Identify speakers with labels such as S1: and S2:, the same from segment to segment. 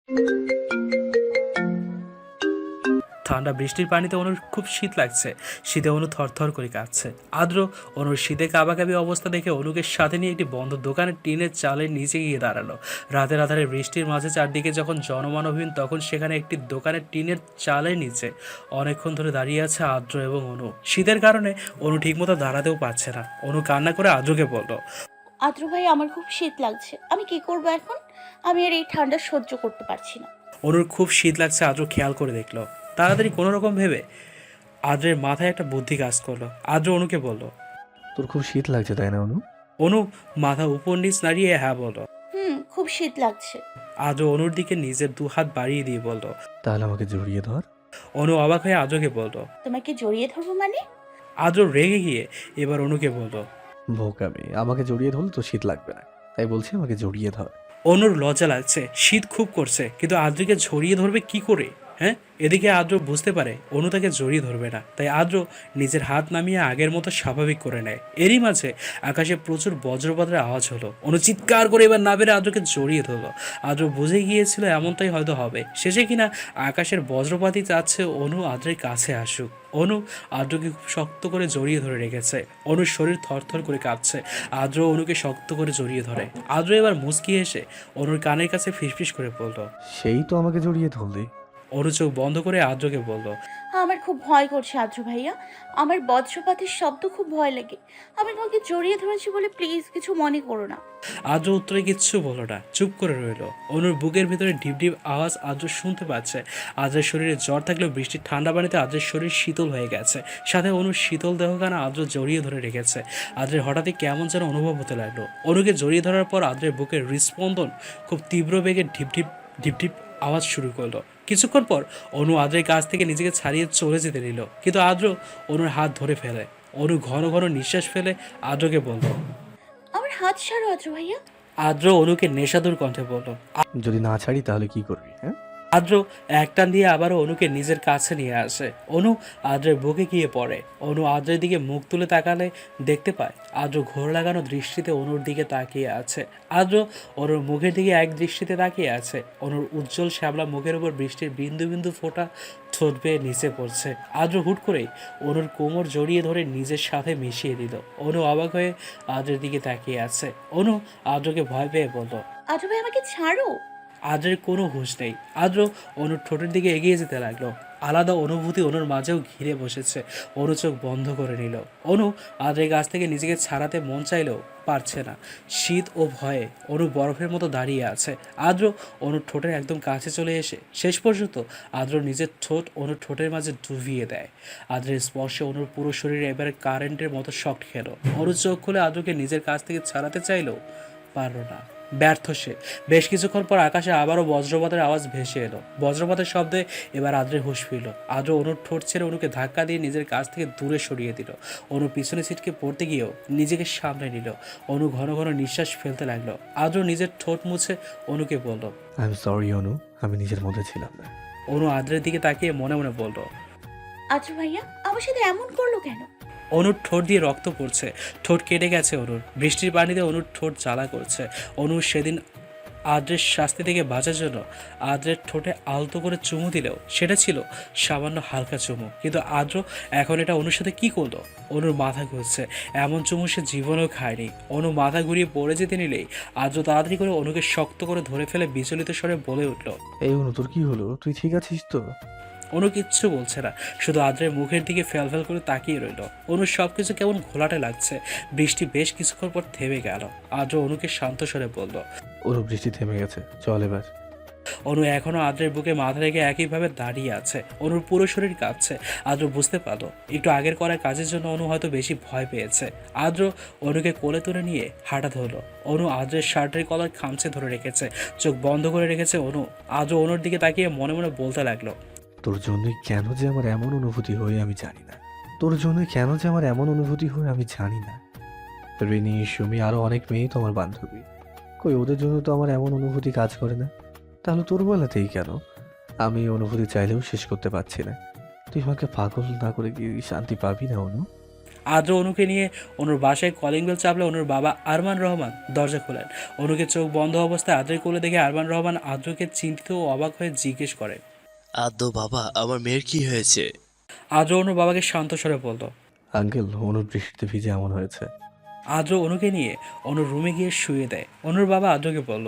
S1: ঠান্ডা বৃষ্টির পানিতে অনুর খুব শীত লাগছে। শীতে অনু থরথর করে কাঁপছে। আদ্র অনুর শীতে কাবাকাবি অবস্থা দেখে অনুকে সাথে নিয়ে একটি বন্ধ দোকানের টিনের চালের নিচে গিয়ে দাঁড়ালো। রাতের আধারে বৃষ্টির মাঝে চারদিকে যখন জনমানবহীন, তখন সেখানে একটি দোকানের টিনের চালের নিচে অনেকক্ষণ ধরে দাঁড়িয়ে আছে আদ্র এবং অনু। শীতের কারণে অনু ঠিকমতো দাঁড়াতেও পারছে না। অনু কান্না করে আদ্রকে বলল,
S2: আদ্র ভাই, আমার খুব শীত লাগছে, আমি কি করব এখন? আমি আর এই ঠান্ডা সহ্য করতে পারছি না।
S1: অনুর খুব শীত লাগছে। আদ্র খেয়াল করে দেখলো। তাড়াতাড়ি কোনো রকম ভেবে আদ্রের মাথায় একটা বুদ্ধি কাজ করলো। আদ্র অনুকে বলল,
S3: তোর খুব শীত লাগছে তাই না অনু?
S1: অনু মাথা উপর নিচ নাড়িয়ে হ্যাঁ বলল।
S2: খুব শীত লাগছে।
S1: আদ্র অনুর দিকে নিজের দু হাত বাড়িয়ে দিয়ে বলল।
S3: তাহলে আমাকে জড়িয়ে ধর।
S1: অনু অবাক হয়ে আদ্রকে বলল।
S2: তোমাকে জড়িয়ে ধরবো মানে?
S1: আদ্র রেগে গিয়ে এবার অনুকে বলল।
S3: বোকামি, আমাকে জড়িয়ে ধরলে তো শীত লাগবে না, তাই বলছি আমাকে জড়িয়ে ধর।
S1: অনুর লজ্জা লাগছে, শীত খুব করছে, কিন্তু আদ্রকে জড়িয়ে ধরবে কি করে? হ্যাঁ, এদিকে আদ্র বুঝতে পারে অনু তাকে জড়িয়ে ধরবে না, তাই আদ্র নিজের হাত নামিয়ে আগের মতো স্বাভাবিক করে নেয়। এরই মাঝে আকাশে প্রচুর বজ্রপাতের আওয়াজ হলো। অনু চিৎকার করে এবার না বেড়ে আদ্রকে জড়িয়ে ধরলো। আদ্র বুঝে গিয়েছিল এমনটাই হয়তো হবে। শেষে কিনা আকাশের বজ্রপাতই চাচ্ছে অনু আদ্রের কাছে আসুক। অনু আদ্রকে খুব শক্ত করে জড়িয়ে ধরে রেখেছে। অনুর শরীর থরথর করে কাঁপছে। আদ্র অনুকে শক্ত করে জড়িয়ে ধরে। আদ্র এবার মুচকি এসে অনুর কানের কাছে ফিসফিস করে বলল।
S3: সেই তো আমাকে জড়িয়ে ধরলি।
S1: অনু চোখ বন্ধ করে আদ্রকে বলল।
S2: আমার খুব ভয় করছে আদ্র ভাইয়া, আমার বজ্রপাতের শব্দ খুব ভয় লাগে। আমি তোমাকে জড়িয়ে ধরেছি বলে প্লিজ কিছু মনে করো না।
S1: আদ্র উত্তরে কিচ্ছু বলল না, চুপ করে রইল। অনুর বুকের ভিতরে ডিপ ডিপ আওয়াজ আদ্র শুনতে পাচ্ছে। আদ্রের শরীরে জ্বর থাকলেও বৃষ্টির ঠান্ডা পানিতে আদ্রের শরীর শীতল হয়ে গেছে। সাথে অনুর শীতল দেহখানা আদ্র জড়িয়ে ধরে রেখেছে। আদ্রের হঠাৎই কেমন যেন অনুভব হতে লাগলো। অনুকে জড়িয়ে ধরার পর আদ্রের বুকের হৃদস্পন্দন খুব তীব্র বেগে ঢিপ ঢিপ ঢিপ ঢিপ আওয়াজ শুরু করলো। কিছুক্ষণ পর অনু আদ্রের কাছ থেকে নিজেকে ছাড়িয়ে চলে যেতে নিল, কিন্তু আদ্র অনুর হাত ধরে ফেলে। অনু ঘন ঘন নিঃশ্বাস ফেলে আদ্রকে বলল।
S2: আমার হাত ছাড়ো আদ্র ভাইয়া।
S1: আদ্র অনুকে নেশাদুর কণ্ঠে বলল।
S3: যদি না ছাড়ি তাহলে কি করবি? হ্যাঁ,
S1: আদ্র এক টান দিয়ে আবারও অনুকে নিজের কাছে নিয়ে আসে। অনু আদ্রের বুকে গিয়ে পড়ে। অনু আদ্রের দিকে মুখ তুলে তাকালে দেখতে পায় আদ্র ঘোর লাগানো দৃষ্টিতে অনুর দিকে তাকিয়ে আছে। আদ্র অনুর মুখের দিকে এক দৃষ্টিতে তাকিয়ে আছে। অনুর উজ্জ্বল শ্যামলা মুখের উপর বৃষ্টির বিন্দু বিন্দু ফোঁটা ঠোঁট বেয়ে নিচে পড়ছে। আদ্র হুট করেই অনুর কোমর জড়িয়ে ধরে নিজের সাথে মিশিয়ে দিল। অনু অবাক হয়ে আদ্রের দিকে তাকিয়ে আছে। অনু আদ্রকে ভয় পেয়ে বলল।
S2: আদ্র ভাই, আমাকে ছাড়ো।
S1: আদ্রের কোনো হুঁশ নেই। আদ্র অনুর ঠোঁটের দিকে এগিয়ে যেতে লাগলো। আলাদা অনুভূতি অনুর মাঝেও ঘিরে বসেছে। অনু চোখ বন্ধ করে নিল। অনু আদ্রের কাছ থেকে নিজেকে ছাড়াতে মন চাইলেও পারছে না। শীত ও ভয়ে অনু বরফের মতো দাঁড়িয়ে আছে। আদ্র অনুর ঠোঁটের একদম কাছে চলে এসে শেষ পর্যন্ত আদ্র নিজের ঠোঁট অনুর ঠোঁটের মাঝে ডুবিয়ে দেয়। আদ্রের স্পর্শে অনুর পুরো শরীরে এবারে কারেন্টের মতো শক খেলো। অনুর চোখ খুলে আদ্রকে নিজের কাছ থেকে ছাড়াতে চাইলেও পারল না, ব্যর্থ সে। বেশ কিছুক্ষণ পর আকাশে আবারও বজ্রপাতের আওয়াজ ভেসে এলো। বজ্রপাতের শব্দে এবার আদ্রের হুঁশ ফিরল। আদ্র অনুর ঠোঁট ছেড়ে অনুকে ধাক্কা দিয়ে নিজের কাছ থেকে দূরে সরিয়ে দিল। অনু পিছনে ছিটকে পড়তে গিয়েও নিজেকে সামলে নিল। অনু ঘন ঘন নিঃশ্বাস ফেলতে লাগলো। আদ্র নিজের ঠোঁট মুছে অনুকে বলল।
S3: আই এম সরি অনু, আমি নিজের মধ্যে ছিলাম না।
S1: অনু আদ্রের দিকে তাকিয়ে মনে মনে বলল।
S2: আদ্র ভাইয়া আমার সাথে এমন করলো কেন?
S1: অনুর ঠোঁট দিয়ে রক্ত পড়ছে। ঠোঁট কেটে গেছে অনুর। বৃষ্টির পানিতে অনুর ঠোঁট জ্বালা করছে। অনু সেদিন আদ্রের শাস্তি থেকে বাঁচার জন্য আদ্রের ঠোঁটে আলতো করে চুমু দিলেও সেটা ছিল সামান্য হালকা চুমু, কিন্তু আদ্র এখন এটা অনুর সাথে কি করলো? অনুর মাথা ঘুরছে। এমন চুমু সে জীবনেও খায়নি। অনু মাথা ঘুরিয়ে পড়ে যেতে নিলেই আদ্র তাড়াতাড়ি করে অনুকে শক্ত করে ধরে ফেলে বিচলিত স্বরে বলে উঠল।
S3: এই অনু, তোর কি হলো? তুই ঠিক আছিস তো?
S1: অনু কিচ্ছু বলছে না, শুধু আদ্রের মুখের দিকে ফ্যাল করে তাকিয়ে রইল। অনুর সবকিছু কেমন ঘোলাটে লাগছে। বৃষ্টি বেশ কিছুক্ষণ পর থেমে গেল। আদ্র অনুকে শান্ত স্বরে বলল।
S3: ওরও বৃষ্টি থেমে গেছে, চল এবার।
S1: অনু এখনো আদ্রের বুকে মাথা রেখে একইভাবে দাঁড়িয়ে আছে। অনুর পুরো শরীর কাঁপছে। আদ্র বুঝতে পারলো একটু আগের করা কাজের জন্য অনু হয়তো বেশি ভয় পেয়েছে। আদ্র অনুকে কোলে তুলে নিয়ে হাঁটা ধরলো। অনু আদ্রের শার্টের কলার খামচে ধরে রেখেছে, চোখ বন্ধ করে রেখেছে অনু। আদ্র অনুর দিকে তাকিয়ে মনে মনে বলতে লাগলো।
S3: তোর জন্যই কেন যে আমার এমন অনুভূতি হয় আমি জানি না। তোর জন্যই কেন যে আমার এমন অনুভূতি হয় আমি জানি না। রিনি, সুমি, আরো অনেক মেয়েই তো আমার বান্ধবী। কই ওদের জন্য তো আমার এমন অনুভূতি কাজ করে না। তাহলে তোর বেলাতেই কেন? আমি এই অনুভূতি চাইলেও শেষ করতে পারছি না। তুই আমাকে পাগল না করে কি শান্তি পাবি না অনু?
S1: আদ্র অনুকে নিয়ে অনুর বাসায় কলিং বেল চাপলে অনুর বাবা আরমান রহমান দরজা খোলেন। অনুকে চোখ বন্ধ অবস্থায় আদ্রের কোলে দেখে আরমান রহমান আদ্রকে চিন্তিত ও অবাক হয়ে জিজ্ঞেস করে।
S4: আদ্য বাবা, আমার মেয়ের কি হয়েছে?
S1: আদ্র অনুর বাবাকে শান্ত স্বরে বলল।
S3: আঙ্কেল, অনুর বৃষ্টিতে ভিজে এমন হয়েছে।
S1: আদ্র অনুকে নিয়ে অনুর রুমে গিয়ে শুয়ে দেয়। অনুর বাবা আদ্রকে বলল।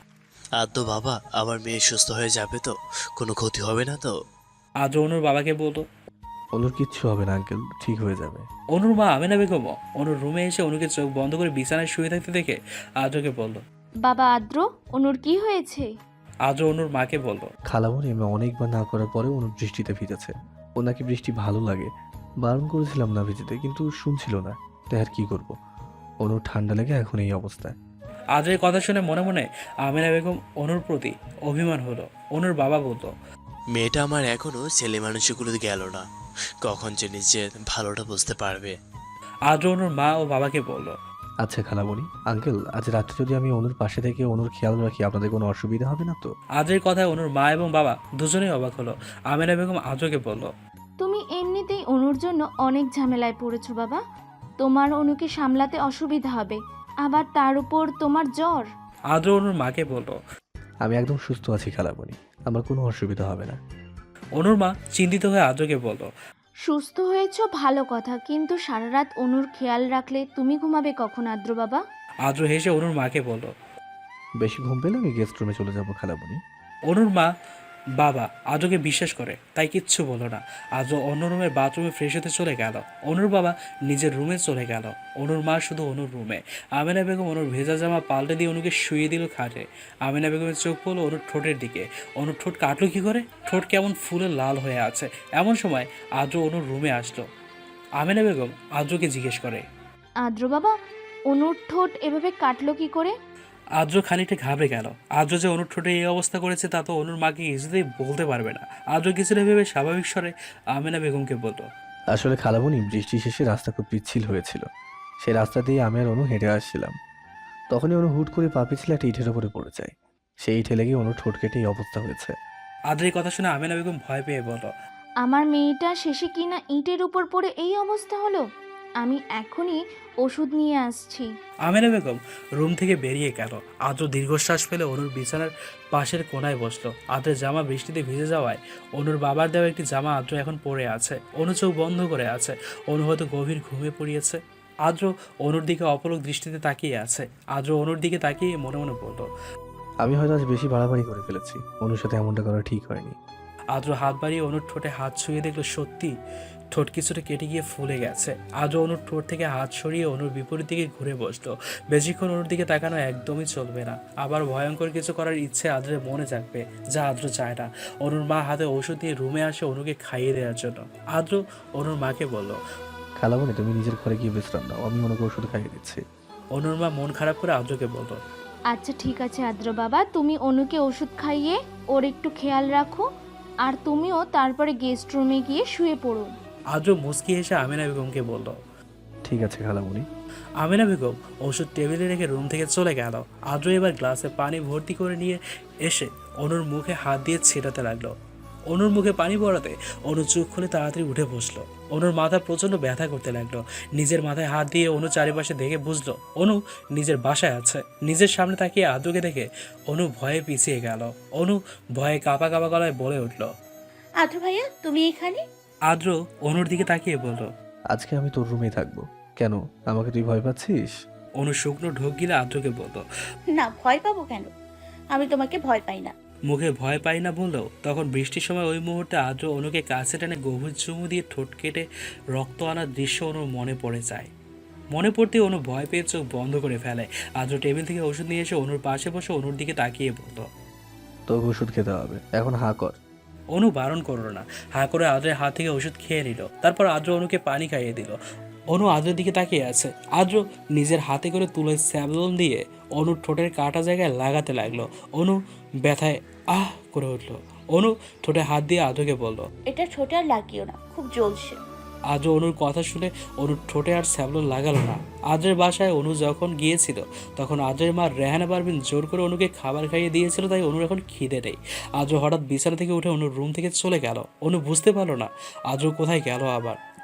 S4: আদ্য বাবা, আমার মেয়ে সুস্থ হয়ে যাবে তো? কোনো ক্ষতি হবে না তো?
S1: আদ্র অনুর বাবাকে বলল।
S3: অনুর কিচ্ছু হবে না আঙ্কেল, ঠিক হয়ে যাবে।
S1: অনুর মা আমেনা বেগম অনুর রুমে এসে অনুকে চোখ বন্ধ করে বিছানায় শুয়ে থাকতে দেখে আদ্রকে বলল।
S5: বাবা আদ্র, অনুর কি হয়েছে?
S1: আদ্র অনুর মাকে বলল।
S3: খালামণি, আমি অনেকবার না করার পরে অনুর বৃষ্টিতে ভিজেছে। ও নাকি বৃষ্টি ভালো লাগে, বারণ করেছিলাম না ভিজেতে, কিন্তু শুনছিল না। তাই আর কি করবো, অনুর ঠান্ডা লেগে এখন এই অবস্থায়।
S1: আদ্রের কথা শুনে মনে মনে আমেনা বেগম অনুর প্রতি অভিমান হলো। অনুর বাবা বলল।
S4: মেয়েটা আমার এখনো ছেলে মানুষগুলো গেল না, কখন যে নিজের ভালোটা বুঝতে পারবে।
S1: আদ্র অনুর মা ও বাবাকে বলল।
S3: আচ্ছা খালামণি, আঙ্কেল আজ রাত্রে যদি আমি অনুর পাশে থেকে অনুর খেয়াল রাখি, আপনাদের কোনো অসুবিধা হবে না তো?
S1: আদ্রের কথায় অনুর মা এবং বাবা দুজনেই অবাক হলো। আমেনা বেগম আদ্রকে বলল।
S5: তুমি এমনিতেই অনুর জন্য অনেক ঝামেলায় পড়েছো বাবা। তোমার অনুকে সামলাতে অসুবিধা হবে, আবার তার উপর তোমার জ্বর।
S1: আদ্র অনুর মাকে বলল।
S3: আমি একদম সুস্থ আছি খালামণি, আমার কোনো অসুবিধা হবে না।
S1: অনুর মা চিন্তিত হয়ে আদ্রকে বলল।
S5: সুস্থ হয়েছো ভালো কথা, কিন্তু সারা রাত অনুর খেয়াল রাখলে তুমি ঘুমাবে কখন আদ্র বাবা?
S1: আদ্র হেসে অনুর মাকে বলল।
S3: বেশি ঘুম পেলে আমি গেস্ট রুমে চলে যাবো খালামণি।
S1: অনুর মা বাবা আদ্রকে বিশ্বাস করে, তাই কিচ্ছু বলো না। আদ্র অন্য রুমের বাথরুমে ফ্রেশ হতে চলে গেল। অনুর বাবা নিজের রুমে চলে গেল। অনুর মা শুধু অনুর রুমে। আমেনা বেগম অনুর ভেজা জামা পাল্টে দিয়ে অনুকে শুয়ে দিল খাটে। আমেনা বেগমের চোখ পড়লো অনুর ঠোঁটের দিকে। অনুর ঠোঁট কাটলো কি করে? ঠোঁট কেমন ফুলে লাল হয়ে আছে। এমন সময় আদ্র অনুর রুমে আসলো। আমেনা বেগম আদ্রকে জিজ্ঞেস করে।
S5: আদ্র বাবা, অনুর ঠোঁট এভাবে কাটলো কি করে?
S1: আদ্র খানিকটা ঘাবড়ে গেল। আদ্র যে অনুর ঠোঁটে এই অবস্থা করেছে তা তো অনুর মাকে কিছুতেই বলতে পারবে না। আদ্র কিছুটা ভেবে স্বাভাবিক স্বরে আমেনা বেগমকে বলল।
S3: আসলে খালামণি, বৃষ্টি শেষে রাস্তা খুব পিচ্ছিল হয়েছিল। সেই রাস্তা দিয়ে আমি আর অনু হেঁটে আসছিলাম। তখনই অনু হুট করে পা পিছলে একটা ইটের ওপরে পড়ে যায়। সেই ইটে লেগে অনুর ঠোঁট কেটে এই অবস্থা হয়েছে।
S1: আদ্রের কথা শুনে আমেনা বেগম ভয় পেয়ে বলল।
S5: আমার মেয়েটা শেষে কিনা ইটের উপর পড়ে এই অবস্থা হলো। আমি এখনই ওষুধ নিয়ে আসছি।
S1: আমেনা বেগম রুম থেকে বেরিয়ে গেল। আদ্র দীর্ঘশ্বাস ফেলে অনুর বিছানার পাশের কোনায় বসলো। আদ্রের জামা বৃষ্টিতে ভিজে যাওয়ায় অনুর বাবার দেওয়া একটি জামা আদ্র এখন পরে আছে। অনু চোখ বন্ধ করে আছে। অনু হয়তো গভীর ঘুমে পড়িয়েছে। আদ্র অনুর দিকে অপলক দৃষ্টিতে তাকিয়ে আছে। আদ্র অনুর দিকে তাকিয়ে মনে মনে বলল।
S3: আমি হয়তো আজ বেশি বাড়াবাড়ি করে ফেলেছি, অনুর সাথে এমনটা করা ঠিক হয়নি।
S1: আদ্র হাত বাড়িয়ে অনুর ঠোঁটে হাত ছুঁয়ে দেখলো সত্যি ঠোঁট কিছুটা কেটে গিয়ে ফুলে গেছে। আদ্র অনুর ঠোঁট থেকে হাত সরিয়ে অনুর বিপরীত দিকে ঘুরে বসলো। বেশিক্ষণ অনুর দিকে তাকানো একদমই চলবে না। আবার ভয়ঙ্কর কিছু করার ইচ্ছে আদ্রের মনে জাগবে, যা আদ্র চায় না। অনুর মা হাতে ওষুধ নিয়ে রুমে আসে অনুকে খাইয়ে দেওয়ার জন্য। আদ্র অনুর মাকে বলল।
S3: খালামণি, তুমি নিজের ঘরে গিয়ে বিশ্রাম নাও, আমি অনুকে ওষুধ খাইয়ে দিচ্ছি।
S1: অনুর মা মন খারাপ করে আদ্রকে বলল।
S5: আচ্ছা ঠিক আছে আদ্র বাবা, তুমি অনুকে ওষুধ খাইয়ে ওর একটু খেয়াল রাখো, আর তুমিও তারপরে গেস্ট রুমে গিয়ে শুয়ে পড়ো।
S1: আদ্র মুচকি এসে আমেনা বেগমকে বলল।
S3: ঠিক আছে খালামণি।
S1: আমেনা বেগম ওষুধ টেবিলে রেখে রুম থেকে চলে গেল। আদ্র এবার গ্লাসে পানি ভর্তি করে নিয়ে এসে অনুর মুখে হাত দিয়ে ছেটাতে লাগলো। অনুর মুখে পানি পড়াতে অনু চোখ খুলে তাড়াতাড়ি উঠে বসলো। অনুর মাথা প্রচণ্ড ব্যথা করতে লাগলো। নিজের মাথায় হাত দিয়ে অনু চারিপাশে দেখে বুঝলো অনু নিজের বাসায় আছে। নিজের সামনে তাকিয়ে আদ্রকে দেখে অনু ভয়ে পিছিয়ে গেল। অনু ভয়ে কাঁপা কাঁপা গলায় বলে উঠল।
S2: আদ্র ভাইয়া, তুমি এখানে?
S1: আদ্র অনুর দিকে তাকিয়ে বলল।
S3: আজকে আমি তোর রুমেই থাকবো। কেন, আমাকে তুই ভয় পাচ্ছিস?
S1: অনু শুকনো ঢোক গিলে আদ্রকে বলল।
S2: না, ভয় পাবো কেন? আমি তোমাকে ভয় পাই না।
S1: মুখে ভয় পাই না বললেও তখন বৃষ্টির সময় ওই মুহূর্তে আদ্র অনুকে কাছে টেনে গভীর চুমু দিয়ে ঠোঁট কেটে রক্ত আনার দৃশ্য অনুর মনে পড়ে যায়। মনে পড়তে অনু ভয় পেয়ে চোখ বন্ধ করে ফেলে। আদ্র টেবিল থেকে ওষুধ নিয়ে এসে অনুর পাশে বসে অনুর দিকে তাকিয়ে বলল।
S3: তোকে ওষুধ খেতে হবে, এখন হা কর।
S1: অনু বারণ করলো না। হাঁ করে আদ্রের হাত থেকে ওষুধ খেয়ে নিল। তারপর আদ্র অনুকে পানি খাইয়ে দিল। অনু আদ্রের দিকে তাকিয়ে আছে। আদ্র নিজের হাতে করে তুলে স্যাবলন দিয়ে অনুর ঠোঁটের কাটা জায়গায় লাগাতে লাগলো। অনু ব্যথায় আহ করে উঠল। অনু ঠোঁটে হাত দিয়ে আদ্রকে বলল।
S2: এটা ছোট আর লাগিও না, খুব জ্বলছে।
S1: আদ্র অনুর কথা শুনে অনুর ঠোঁটে আর স্যাবলন লাগালো না। আদ্রের বাসায় অনু যখন গিয়েছিল তখন আদ্রের মা রেহানা পারভিন জোর করে অনুকে খাবার খাইয়ে দিয়েছিল, তাই অনুর এখন খিদে নেই। আদ্র হঠাৎ বিছানা থেকে উঠে অনুর রুম থেকে চলে গেল। অনু বুঝতে পারলো না আদ্র কোথায় গেল। আবার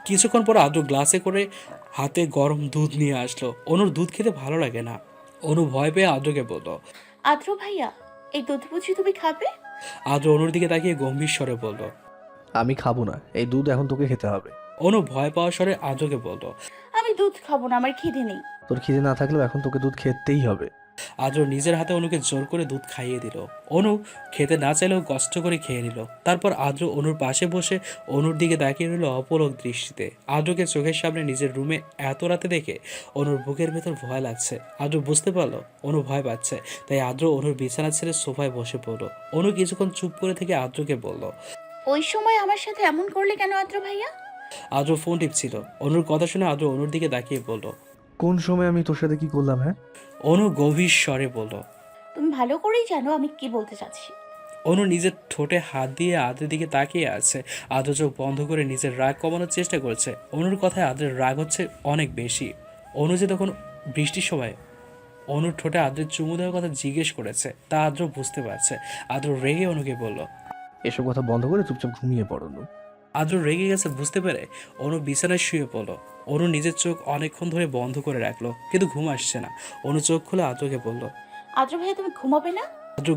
S1: কিছুক্ষণ পর আদ্র গ্লাসে করে হাতে গরম দুধ নিয়ে আসলো। অনুর দুধ খেতে ভালো লাগে না। অনু ভয় পেয়ে আদ্রকে বলল।
S2: আদ্র ভাইয়া, এই দুধ বুঝি তুমি খাবে?
S1: আদ্র অনুর দিকে তাকিয়ে গম্ভীর স্বরে বলল।
S3: আমি খাবো না, এই দুধ এখন তোকে খেতে হবে।
S1: অনু ভয় পাওয়ার স্বরে আদ্রকে বলল।
S2: আমি দুধ খাবো না, আমার খিদে নেই।
S3: তোর খিদে না থাকলেও এখন তোকে দুধ খেতেই হবে।
S1: আদ্র নিজের হাতে অনুকে জোর করে দুধ খাইয়ে দিল। অনু খেতে না চাইলেও কষ্ট করে খেয়ে নিল। তারপর আদ্র অনুর পাশে বসে অনুর দিকে তাকিয়ে রইল অপলক দৃষ্টিতে। আদ্রকে চোখের সামনে নিজের রুমে এত রাতে দেখে অনুর বুকের ভেতর ভয় লাগছে। আদ্র বুঝতে পারলো অনু ভয় পাচ্ছে, তাই আদ্র অনুর বিছানা ছেড়ে সোফায় বসে পড়ল। অনু কিছুক্ষণ চুপ করে থেকে আদ্রকে বলল।
S2: ওই সময় আমার সাথে এমন করলে কেন আদ্র ভাইয়া?
S1: আদ্র ফোন টিপছিল। অনুর কথা শুনে আদ্র অনুর দিকে তাকিয়ে বলল।
S3: কোন সময় আমি তোর সাথে কি করলাম? হ্যাঁ,
S1: অনু গভীর স্বরে বলল।
S2: তুমি ভালো করেই জানো আমি কি বলতে চাচ্ছি।
S1: অনু নিজের ঠোঁটে হাত দিয়ে আদ্রের দিকে তাকিয়ে আছে। আদ্র চোখ বন্ধ করে নিজের রাগ কমানোর চেষ্টা করছে। অনুর কথায় আদ্রের রাগ হচ্ছে অনেক বেশি। অনু যে তখন বৃষ্টির সময় অনুর ঠোঁটে আদ্রের চুমু দেওয়ার কথা জিজ্ঞেস করেছে, তা আদ্র বুঝতে পারছে। আদ্র রেগে অনুকে বলল।
S3: এসব কথা বন্ধ করে চুপচাপ ঘুমিয়ে পড়ো।
S1: আদ্র রেগে গেছে বুঝতে পেরে অনু বিছানায় শুয়ে পড়ল। অনু নিজের চোখ অনেকক্ষণ ধরে বন্ধ করে রাখলো, কিন্তু ঘুম আসছে না। অনু চোখ খুলে আদ্রকে বলল।
S2: আদ্র ভাইয়া তুমি ঘুমাবে না?
S1: আদ্র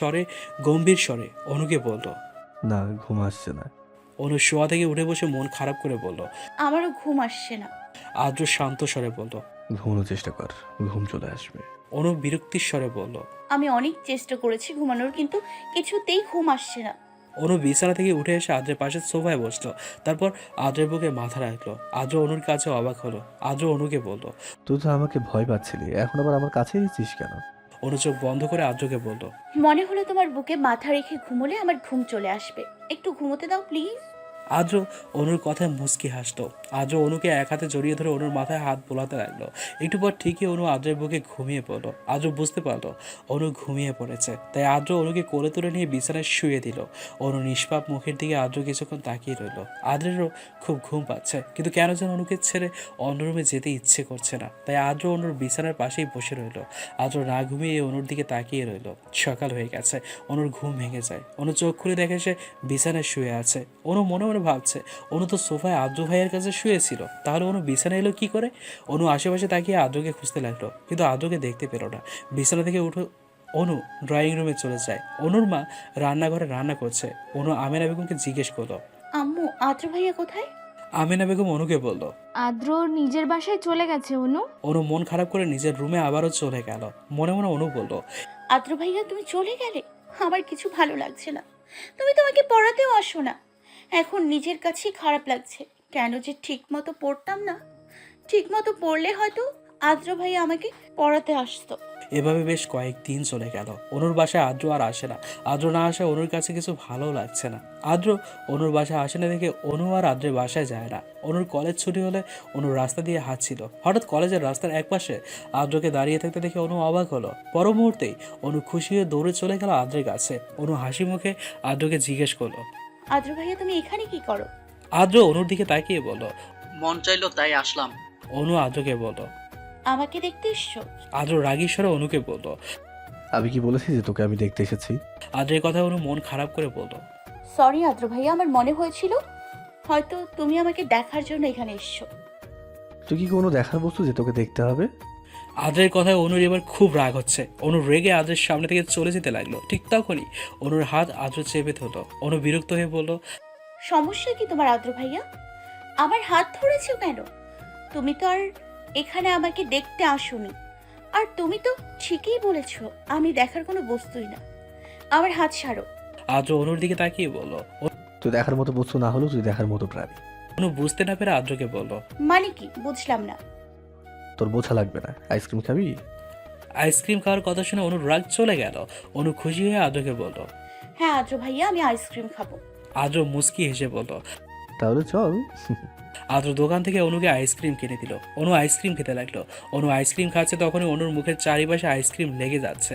S1: গম্ভীর স্বরে অনুকে বলল।
S3: না, ঘুম আসছে না।
S1: অনু শোয়া থেকে উঠে বসে মন খারাপ করে বলল।
S2: আমারও ঘুম আসছে না।
S1: আদ্র শান্ত স্বরে বলল।
S3: ঘুমানোর চেষ্টা কর, ঘুম চলে আসবে।
S1: অনু বিরক্তির স্বরে বলল।
S2: আমি অনেক চেষ্টা করেছি ঘুমানোর, কিন্তু কিছুতেই ঘুম আসছে না।
S1: অনু বিছানা থেকে উঠে এসে আদ্রের পাশে সোফায় বসলো। তারপর আদ্রের বুকে মাথা রাখলো। আদ্র অনুর কাছে অবাক হলো। আদ্র অনুকে বলল।
S3: তুই তো আমাকে ভয় পাচ্ছিলি, এখন আবার আমার কাছে এসেছিস কেন?
S1: অনু চোখ বন্ধ করে আদ্রকে বলল।
S2: মনে হলো তোমার বুকে মাথা রেখে ঘুমোলে আমার ঘুম চলে আসবে। একটু ঘুমোতে দাও প্লিজ।
S1: আদ্র অনুর কথায় মুচকি হাসতো। আদ্র অনুকে এক হাতে জড়িয়ে ধরে অনুর মাথায় হাত বোলাতে লাগলো। একটু পর ঠিকই অনু আদ্রের বুকে ঘুমিয়ে পড়লো। আদ্র বুঝতে পারলো অনু ঘুমিয়ে পড়েছে, তাই আদ্র অনুকে কোলে তুলে নিয়ে বিছানায় শুয়ে দিল। অনু নিষ্পাপ মুখের দিকে আদ্র কিছুক্ষণ তাকিয়ে রইল। আদ্রেরও খুব ঘুম পাচ্ছে, কিন্তু কেন যেন অনুকে ছেড়ে অন্য রুমে যেতে ইচ্ছে করছে না, তাই আদ্র অনুর বিছানার পাশেই বসে রইল। আদ্র না ঘুমিয়ে অনুর দিকে তাকিয়ে রইল। সকাল হয়ে গেছে। অনুর ঘুম ভেঙে যায়। অনু চোখ খুলে দেখে সে বিছানায় শুয়ে আছে। অনু মনে মনে ভাবছে, অনু তো সোফায় আদ্র ভাইয়ের কাছে শুয়েছিল, তাহলে অনু বিছানায় এলো কি করে? অনু আশেপাশে তাকিয়ে আদ্রকে খুঁজতে লাগলো, কিন্তু আদ্রকে দেখতে পেল না। বিছানা থেকে উঠে অনু ড্রয়িং রুমে চলে যায়। অনুর মা রান্নাঘরে রান্না করছে। অনু আমেনা বেগমকে জিজ্ঞেস করলো।
S2: আম্মু, আদ্র ভাইয়া কোথায়?
S1: আমেনা বেগম অনুকে বলল।
S5: আদ্র ওর নিজের বাসায় চলে গেছে অনু।
S1: অনু মন খারাপ করে নিজের রুমে আবারও চলে গেল। মনে মনে অনু বলল।
S2: আদ্র ভাইয়া তুমি চলে গেলে? আমার কিছু ভালো লাগছে না। তুমি তোমাকে পড়াতেও আসো না। এখন নিজের কাছেই খারাপ লাগছে। কেন যে ঠিক মতো পড়তাম না। ঠিক মতো পড়লে হয়তো আদ্র ভাইয়া আমাকে পড়াতে আসতো।
S1: এভাবে বেশ কয়েকদিন চলে গেল। অনুর বাসায় আদ্র আর আসে না। আদ্র না আসে অনুর কাছে কিছু ভালো লাগছে না। আদ্র অনুর বাসায় আসে না দেখে অনু আর আদ্রের বাসায় যায় না। অনুর কলেজ ছুটি হলে অনুর রাস্তা দিয়ে হাঁটছিল। হঠাৎ কলেজের রাস্তার একপাশে আদ্রকে দাঁড়িয়ে থাকতে দেখে অনু অবাক হলো। পর মুহূর্তেই অনু খুশি হয়ে দৌড়ে চলে গেল আদ্রের কাছে। অনু হাসি মুখে আদ্রকে জিজ্ঞেস করলো।
S2: আদ্র ভাইয়া তুমি এখানে কি করো?
S1: আদ্র অনুর দিকে তাকিয়ে বলল।
S6: মন চাইলো তাই আসলাম।
S1: অনু আদ্রকে বলল।
S2: আমাকে দেখতে এসছো?
S1: আদ্র রাগী স্বরে অনুকে বলল।
S3: আমি কি বলেছি যে তোকে আমি দেখতে এসেছি?
S1: আদ্রের কথা অনু মন খারাপ করে বলল।
S2: সরি আদ্র ভাইয়া, আমার মনে হয়েছিল হয়তো তুমি আমাকে দেখার জন্য এখানে এসছো।
S3: তুই কি কোনো দেখার বস্তু যে তোকে দেখতে হবে?
S1: আদ্রের কথায় অনুর এবার খুব রাগ হচ্ছে। অনু রেগে আদ্রের সামনে থেকে চলে যেতে লাগলো। ঠিক তখনই অনুর হাত আদ্র চেপে ধরলো। অনু বিরক্ত হয়ে বলল।
S2: সমস্যা কি তোমার আদ্র ভাইয়া? আমার হাত ধরেছো কেন? তুমি তো আর এখানে আমাকে দেখতে আসোনি। আর তুমি তো ঠিকই বলেছো, আমি দেখার কোনো বস্তুই না। আমার হাত ছাড়ো।
S1: আদ্র অনুর দিকে তাকিয়ে বলল।
S3: তুই দেখার মতো বস্তু না হলেও তুই দেখার মতো প্রাণী।
S1: অনু বুঝতে না পেরে আদ্রকে বলল।
S2: মানে কি বুঝলাম না।
S3: তোর বোঝা লাগবে না। আইসক্রিম খাবি?
S1: আইসক্রিম খাওয়ার কথা শুনে অনুর রাগ চলে গেল। অনু খুশি হয়ে আদ্রকে বলল।
S2: হ্যাঁ আদ্র ভাইয়া, আমি আইসক্রিম খাবো।
S1: আদ্র মুস্কি হেসে বলল।
S3: তাহলে চল।
S1: আদ্র দোকান থেকে অনুকে আইসক্রিম কিনে দিল। অনু আইসক্রিম খেতে লাগলো। অনু আইসক্রিম খাচ্ছে, তখনই অনুর মুখের চারিপাশে আইসক্রিম লেগে যাচ্ছে।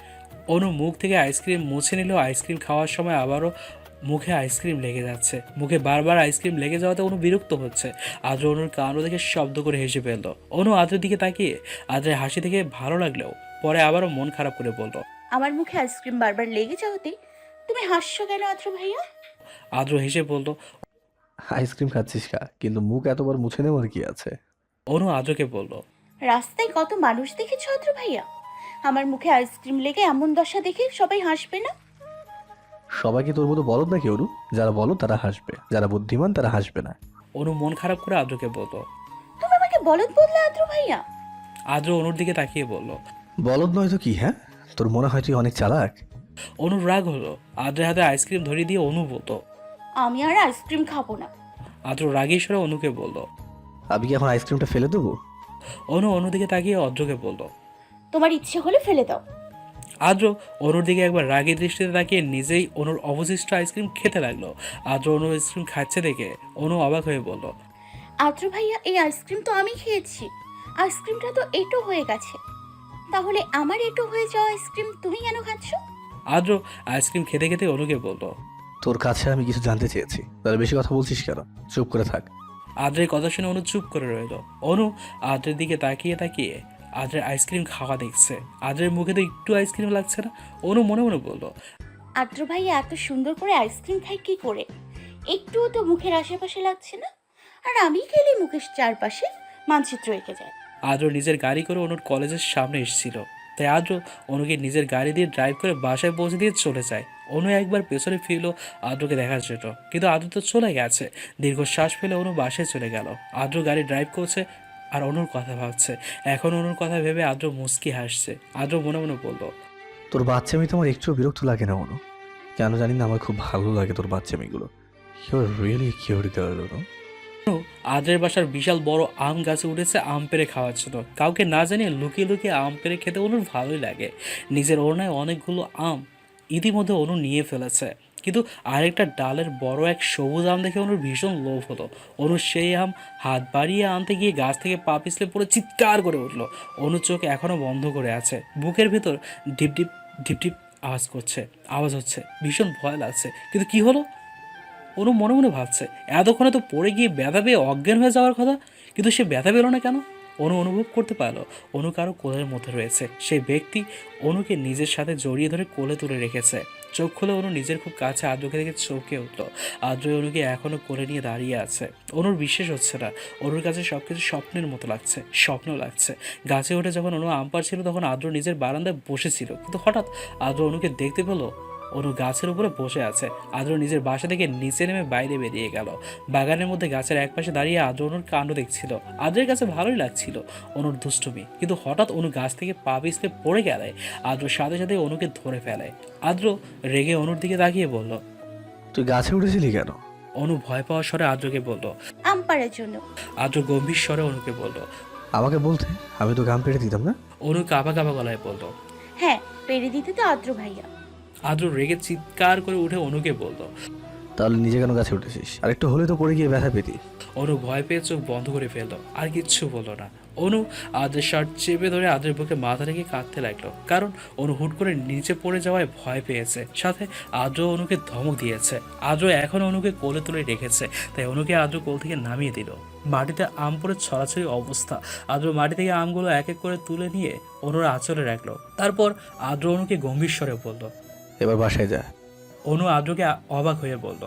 S1: অনু মুখ থেকে আইসক্রিম মুছে নিল। আইসক্রিম খাওয়ার সময় আবারও মুখে আইসক্রিম লেগে যাচ্ছে। মুখে বারবার আইসক্রিম লেগে যাওয়াতে অনু বিরক্ত হচ্ছে। আদ্র অনুর কাণ্ড দেখে শব্দ করে হেসে ফেলল। অনু আদ্রের দিকে তাকিয়ে আদ্রের হাসি দেখে ভালো লাগলেও পরে আবারও মন খারাপ করে বলল।
S2: আমার মুখে আইসক্রিম বারবার লেগে যাওয়াতে তুমি হাসছো কেন আদ্র ভাইয়া?
S1: আদ্র হেসে বলল।
S3: আইসক্রিম খাচ্ছিস খা, কিন্তু মুখ এতবার মুছে নেওয়ার কি আছে?
S1: অনু আদ্রকে বলল।
S2: রাস্তায় কত মানুষ দেখেছ আদ্র ভাইয়া, আমার মুখে আইসক্রিম লেগে এমন দশা দেখে সবাই হাসবে না?
S3: সবাই কি তোর মতো বলদ নাকি অনু? যারা বলো তারা হাসবে, যারা বুদ্ধিমান তারা হাসবে না।
S1: অনু মন খারাপ করে আদ্রকে বলল।
S2: তুমি আমাকে বলদ বললে আদ্র ভাইয়া?
S1: আদ্র অনুর দিকে তাকিয়ে বলল।
S3: বলদ নয় তো কি? হ্যাঁ, তোর মনে হয় তুই অনেক চালাক?
S1: অনুর রাগ হলো। আদ্রের হাতে আইসক্রিম ধরিয়ে দিয়ে অনু বলল।
S2: আমি আর আইসক্রিম খাবো না।
S1: আদ্র রাগের স্বরে অনুকে বলল।
S3: আমি কি এখন আইসক্রিমটা ফেলে দেবো?
S1: অনু অনুর দিকে তাকিয়ে অদ্রকে বলল।
S2: তোমার ইচ্ছে হলে ফেলে দাও।
S1: আদ্র অনুর দিকে একবার রাগী দৃষ্টিতে তাকিয়ে নিজেই অনুর অবশিষ্ট আইসক্রিম খেতে লাগলো। আদ্র অনুর আইসক্রিম খাচ্ছে দেখে অনু অবাক হয়ে বলল।
S2: আদ্র ভাইয়া, এই আইসক্রিম তো আমি খেয়েছি, আইসক্রিমটা তো এটো হয়ে গেছে, তাহলে আমার এটো হয়ে যাওয়া আইসক্রিম তুমি কেন খাচ্ছ?
S1: আদ্র আইসক্রিম খেতে খেতে অনুকে বলল।
S3: তোর কাছে আমি কিছু জানতে চেয়েছি, তাহলে বেশি কথা বলছিস কেন? চুপ করে থাক।
S1: আদ্রের কথা শুনে অনু চুপ করে রইল। অনু আদ্রের দিকে তাকিয়ে তাকিয়ে আদ্রের আইসক্রিম খাওয়া দেখছে। আদ্রের মুখে তো একটু আইসক্রিম লাগছে না। অনু মনে মনে বলল।
S2: আদ্র ভাইয়া এত সুন্দর করে আইসক্রিম খায় কি করে? একটুও তো মুখের আশেপাশে লাগছে না, আর আমি খেলে মুখের চারপাশে মানচিত্র এঁকে যায়।
S1: আদ্র নিজের গাড়ি করে অনুর কলেজের সামনে এসেছিল, তাই আদ্র অনুকে নিজের গাড়ি দিয়ে ড্রাইভ করে বাসায় পৌঁছে দিয়ে চলে যায়। অনু একবার পেছনে ফিরল আদ্রকে দেখার জন্য, কিন্তু আদ্র তো চলে গেছে। দীর্ঘশ্বাস ফেলে অনু বাসায় চলে গেল। আদ্র গাড়ি ড্রাইভ করছে আর অনুর কথা ভাবছে। এখন অনুর কথা ভেবে আদ্র মুচকি হাসছে। আদ্র মনে মনে বলল।
S3: তোর বাচ্চামি তো আমার একটু বিরক্ত লাগে না অনু, কেন জানি না আমার খুব ভালো লাগে তোর বাচ্চামিগুলো। You are really cute girl Anu.
S1: আদ্রের বাসার বিশাল বড় আম গাছে উঠেছে আম পেড়ে খাওয়ার জন্য। কাউকে না জানিয়ে লুকিয়ে লুকিয়ে আম পেড়ে খেতে অনুর ভালোই লাগে। নিজের ওড়নায় অনেকগুলো আম ইতিমধ্যে অনু নিয়ে ফেলেছে, কিন্তু আরেকটা ডালের বড় এক সবুজ আম দেখে অনুর ভীষণ লোভ হলো। অনু সেই আম হাত বাড়িয়ে আনতে গিয়ে গাছ থেকে পা পিছলে পড়ে চিৎকার করে উঠলো। অনুর চোখ এখনও বন্ধ করে আছে। বুকের ভেতর ডিপ ডিপ ডিপ ডিপ আওয়াজ হচ্ছে। ভীষণ ভয় লাগছে, কিন্তু কি হলো? অনু মনে মনে ভাবছে, এতক্ষণে তো পড়ে গিয়ে ব্যথা পেয়ে অজ্ঞান হয়ে যাওয়ার কথা, কিন্তু সে ব্যথা পেল না কেন? অনু অনুভব করতে পারলো অনু কারো কোলের মধ্যে রয়েছে। সেই ব্যক্তি অনুকে নিজের সাথে জড়িয়ে ধরে কোলে তুলে রেখেছে। চোখ খুলে অনু নিজের খুব কাছে আদ্রকে দেখে চমকে উঠল। আদ্র অনুকে এখনও কোলে নিয়ে দাঁড়িয়ে আছে। অনুর বিশ্বাস হচ্ছে না। অনুর কাছে সব কিছু স্বপ্নের মতো লাগছে, স্বপ্ন লাগছে। গাছে উঠে যখন অনু আম পাড়ছিল তখন আদ্র নিজের বারান্দায় বসেছিল, কিন্তু হঠাৎ আদ্র অনুকে দেখতে পেল অনু গাছের উপরে বসে আছে। আদ্র নিজের বাসা থেকে নিচে নেমে বাইরে বেরিয়ে গেল। বাগানের মধ্যে গাছের একপাশে দাঁড়িয়ে আদ্র অনুর কাণ্ড দেখছিল। আদ্রের কাছে ভালোই লাগছিল অনুর দুষ্টুমি, কিন্তু হঠাৎ অনু গাছ থেকে পা পিছলে পড়ে গেলে আদ্র সাথে সাথে অনুকে ধরে ফেলে। আদ্র রেগে অনুর দিকে তাকিয়ে বলল।
S3: তুই গাছে উঠেছিলি কেন?
S1: অনু ভয় পাওয়ার স্বরে আদ্রকে বলল।
S2: আম পাড়ার জন্য।
S1: আদ্র গম্ভীর স্বরে অনুকে বলল।
S3: আমাকে বলতে, আমি তো গান পেড়ে দিতাম না?
S1: অনু কাঁপা কাঁপা গলায় বলল।
S2: হ্যাঁ, পেরে দিতে তো আদ্র ভাইয়া।
S1: আদ্র রেগে চিৎকার করে উঠে অনুকে বলল।
S3: তাহলে নিজে কেন গাছে উঠেছিস? আর একটু হলে তো পড়ে গিয়ে ব্যথা পেতি।
S1: অনু ভয় পেয়ে চোখ বন্ধ করে ফেললো, আর কিচ্ছু বললো না। অনু আদ্রের শার্ট চেপে ধরে আদ্রের বুকে মাথা রেখে কাঁদতে লাগলো, কারণ অনু হুট করে নিচে পড়ে যাওয়ায় ভয় পেয়েছে। সাথে আদ্র অনুকে ধমক দিয়েছে। আদ্র এখন অনুকে কোলে তুলে রেখেছে, তাই অনুকে আদ্র কোল থেকে নামিয়ে দিল। মাটিতে আম পড়ে ছড়াছড়ি অবস্থা। আদ্র মাটি থেকে আমগুলো এক এক করে তুলে নিয়ে অনুর আঁচলে রাখলো। তারপর আদ্র অনুকে গম্ভীর স্বরে বলল।
S3: এবার বাসায় যা।
S1: অনু আদ্রকে অবাক হয়ে বলল।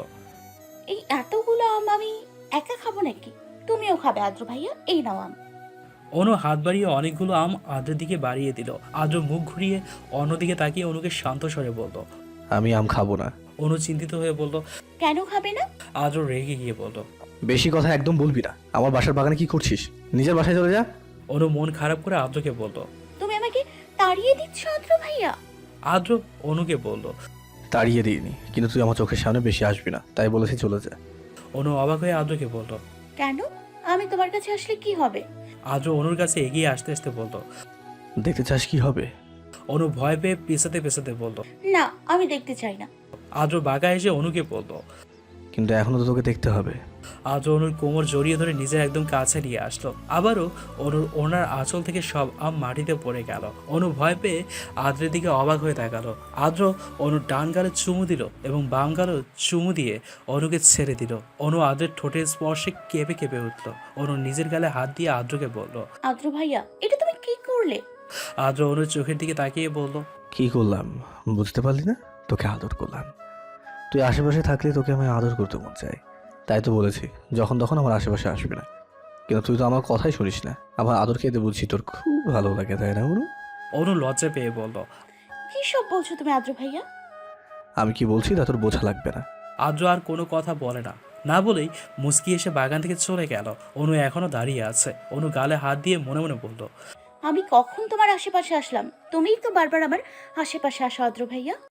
S2: এই এতগুলো আম আমি একা খাবো নাকি? তুমিও খাবে আদ্র ভাইয়া, এই নাও আম।
S1: অনু হাত বাড়িয়ে অনেকগুলো আম আদ্রের দিকে বাড়িয়ে দিল। আদ্র মুখ ঘুরিয়ে অন্যদিকে তাকিয়ে অনুকে শান্ত স্বরে বলল।
S3: আমি আম খাবো না।
S1: অনু চিন্তিত হয়ে বলল।
S2: কেন খাবে না?
S1: আদ্র রেগে গিয়ে বলল।
S3: বেশি কথা একদম বলবি না। আমার বাসার বাগানে কি করছিস? নিজের বাসায় চলে যা।
S1: অনু মন খারাপ করে আদ্রকে বলল।
S2: তুমি আমাকে তাড়িয়ে দিচ্ছ আদ্র ভাইয়া?
S1: আদ্র অনুকে বলল।
S3: তাড়িয়ে দিইনি, কিন্তু তুই আমার চোখের সামনে বেশি আসবি না, তাই বলেছি চলে যা।
S1: অনু অবাক হয়ে আদ্রকে বলল।
S2: কেন? আমি তোমার কাছে আসলে কি হবে?
S1: আদ্র অনুর কাছে এগিয়ে আসতে আসতে বলল।
S3: দেখতে চাস কি হবে?
S1: অনু ভয় পেয়ে পেছাতে পেছাতে বলল।
S2: না, আমি দেখতে চাই না।
S1: আদ্র বাঁকা এসে অনুকে বলল।
S3: কিন্তু এখনো তো তোকে দেখতে হবে।
S1: আদ্র অনুর কোমর জড়িয়ে ধরে নিজের একদম কাছে নিয়ে আসলো। আবারও অনুর ওনার আঁচল থেকে সব আম মাটিতে পড়ে গেল। অনু ভয় পেয়ে আদ্রের দিকে অবাক হয়ে তাকালো। আদ্র অনুর ডান গালে চুমু দিল এবং বাম গালে চুমু দিয়ে অনুকে ছেড়ে দিল। অনু আদ্রের ঠোঁটের স্পর্শে কেঁপে কেঁপে উঠল। অনু নিজের গালে হাত দিয়ে আদ্রকে বলল।
S2: আদ্র ভাইয়া, এটা তুমি কি করলে?
S1: আদ্র অনুর চোখের দিকে তাকিয়ে বলল।
S3: কি করলাম বুঝতে পারলি না? তোকে আদর করলাম। তুই আশেপাশে থাকলে তোকে আমি আদর করতে মন চাই, তাই তো বলেছি যখন তখন আমার আশেপাশে আসবে না। কিন্তু তুই তো আমার কথাই শুনিস না। আমার আদর খেতে বুঝছি তোর খুব ভালো লাগে, তাই না অনু?
S1: অনু লজ্জা পেয়ে বলল।
S2: কি সব বলছো তুমি আদ্র ভাইয়া?
S3: আমি কি বলছি তা তোর বোঝা লাগবে না।
S1: আদ্র আর কোনো কথা বলে না, না বলেই মুচকি এসে বাগান থেকে চলে গেল। অনু এখনো দাঁড়িয়ে আছে। অনু গালে হাত দিয়ে মনে মনে বলল,
S2: আমি কখন তোমার আশেপাশে আসলাম? তুমিই তো বারবার আমার আশেপাশে আসো আদ্র ভাইয়া।